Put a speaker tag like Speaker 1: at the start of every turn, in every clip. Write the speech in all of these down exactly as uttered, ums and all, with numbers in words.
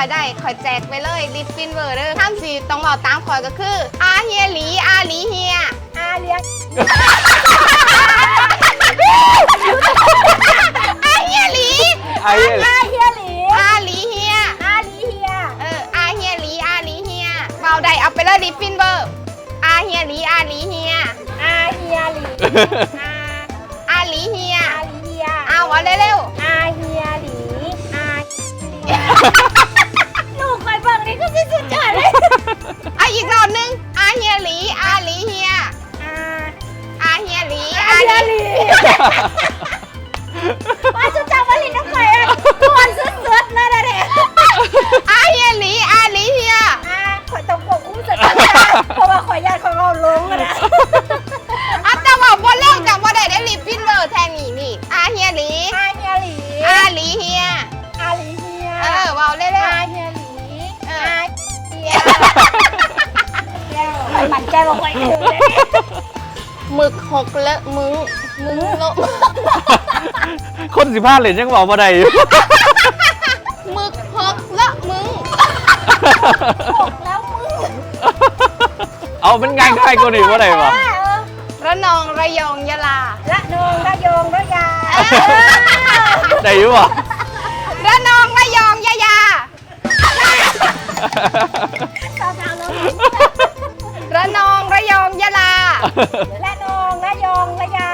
Speaker 1: อยได้คอยแจกไปเลยลิปฟินเวอร์เด้อท่านสีต้องบอกตามคอยก็คืออาเฮียหลีอาหลีเฮียอาเลียอาเฮียหลีอาเฮียหลีอาหลีเฮียอาหลีเฮียเอออาเฮียหลีอาหลีเฮียเบาได้เอาไปเลยลิปฟินเวอร์อาเฮียหลีอาหลีเฮียอาเฮียหลีอาอาหลีเฮียอาหลีเฮียเอาเอาเร็วๆอาเฮียหลีอาหนูคอยเบิ่งนี่ก็สุดยอดเลยอ่ะอีกรอบนึงอาเฮียหลีอาหลีเฮียอาอาเฮียหลีอาเฮียหลีว่าจะจำว่าลินน้ำข่อยกวนสุดๆเลยนะเด็กอาเฮียหลีอาหลีเฮียอาข่อยต้องควบคุมสติเพราะว่าข่อยญาติข่อยเอาลงนะอ่ะแต่ว่าบ่เล่าจากบ่ได้ได้ลิปฟินเวอร์แทนนี่นี่อาเฮียหลีอาเฮียหลีอาหลีเฮียอาหลีเฮียเออเว้าเร็วๆอาเฮียหลีเอออาเฮียข่อยมั่นใจว่าข่อยถึงเลยหมึกหกเลอะมึงมึงโล
Speaker 2: คนสิบห้าเหรียญยังบอกมาได้อยู่
Speaker 1: หมึกหกเลอะมึงหกแล้วมึง
Speaker 2: เอาเป็นงานใครกูหนีว่าได้ปะ
Speaker 1: ระนองระยองยะลาระนองระยองระยา
Speaker 2: ได้อยู่ปะ
Speaker 1: ระนองระยองยะยาระนองระยองยะลาระนองระยองระยา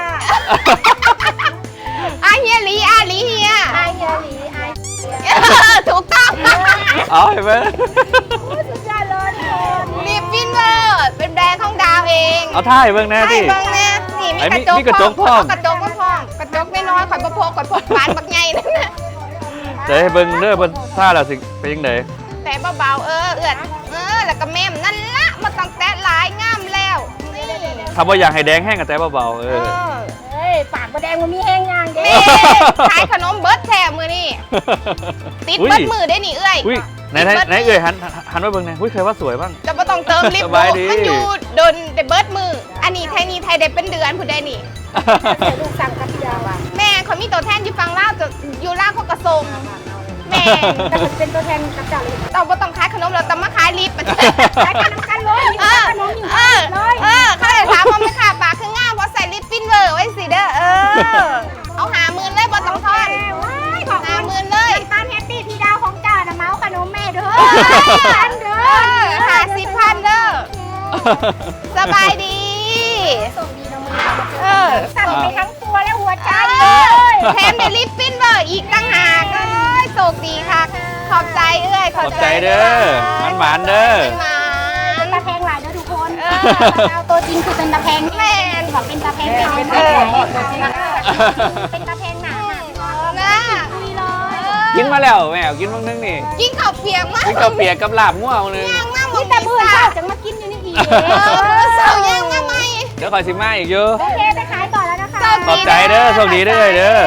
Speaker 1: อาเฮียหลีอาหลีเฮียอาเฮียหลีอาถูกต้อง
Speaker 2: เอาเห็นไหม
Speaker 1: สุดยอดเลยลิปฟินเวอร์เป็นแบรนด์ของดาวเอง
Speaker 2: เอาท่ายเบิ้งแน่ที่
Speaker 1: เบิ้งแน่นี่มีกระจกพร้อมกระจกก็พร้อมกระจกน้อยๆคอยประโพกคอยพกบานบักใหญ่นั่นนะ
Speaker 2: จะให้เบิ้งเด้อเบิ้งท่าแล้วสิเป็นยังไง
Speaker 1: แต่เบาๆเออเอือดเออแล้วก็แม่มนั่นละมาต้องแตะลายงามแล้ว
Speaker 2: ทำว่าอยากให้แดงแห้งกับแต่เบาๆเออ
Speaker 1: เฮ้ยปากมาแดงมันมีแห้งยางเด้ขายขนมเบิร์ดแถมมือนี่ติดเบิร์ดมือได้หนิเอ้ย
Speaker 2: ไหนไหนเอ้ยหันหันว่าเบิ้งไหนอุ้ยเคยว่าสวยบ้าง
Speaker 1: จะไม่ต้องเติมลิปมันอยู่โดนแต่เบิร์ดมืออันนี้ไทยนี่ไทยได้เป็นเดือนผู้ใดนี่ลูกสั่งกับพี่ดาวแม่เขามีตัวแทนอยู่ฟังล่าจะอยู่ล่าเขากระทรงแม่แต่เป็นตัวแทนกับเจ้าเลยเราไม่ต้องขายขนมเราต้องมาขายลิปขายขนมกันเลยเออเออเออเขาเลยถามว่าไม่ขาปากคือง่ามเพราะใส่ลิปฟินเวอร์ไว้สิเด้อเออเอาหาหมื่นเลยบอต้องทอนหาหมื่นเลยตามแฮปปี้พี่ดาวของเจ้านะเมาส์ขนมแม่เด้อพันเด้อหาสิบพันเด้อสบายดีส่งดีนะมือเออสั่งไปทั้งตัวและหัวใจเลยแถมได้ลิปฟินเวอร์อีกตั้งหากเลยโชคดีค่ะขอบใจเอ้ย
Speaker 2: ขอบใจเด้อมันหวานเด้อ
Speaker 1: เป็นตาแพงหลายเด้อทุกคนดาวตัวจริงคือเป็นตาแพงแม่บอกเป็นตาแพงเป็นตาแพงเป็นตาแพงหนานะ
Speaker 2: กินมาแล้วแม่กินบ้างนึงนี่
Speaker 1: กินข้าวเปียกมาก
Speaker 2: กินข้าวเปียกกับลาบง่วงนึง
Speaker 1: นี่แต่มือเศร้าจะมากินอยู่นี่อีกเศร้ายังมาไหม
Speaker 2: เดี๋ยวคอยสิมาอีกเยอะ
Speaker 1: โอเคไปขายต่อแล้วนะคะ
Speaker 2: ขอบใจเด้อโชคดีเด้อเด้อ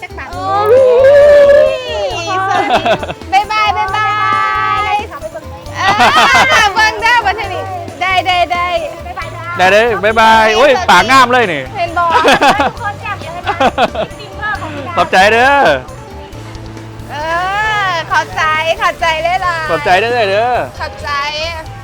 Speaker 1: บ๊ายบายบ๊ายบายเบิ้งได้บันทีได้ได้ได้
Speaker 2: ได้เด้อบ๊ายบายโอ้ยปากงามเลยนี่
Speaker 1: เห็นบอกคนแจ่มเลย
Speaker 2: ขอบใจเด้อ
Speaker 1: เออขอบใจขอบใจเลยล่ะ
Speaker 2: ขอบใจเด้อเด้อ
Speaker 1: ขอบใจ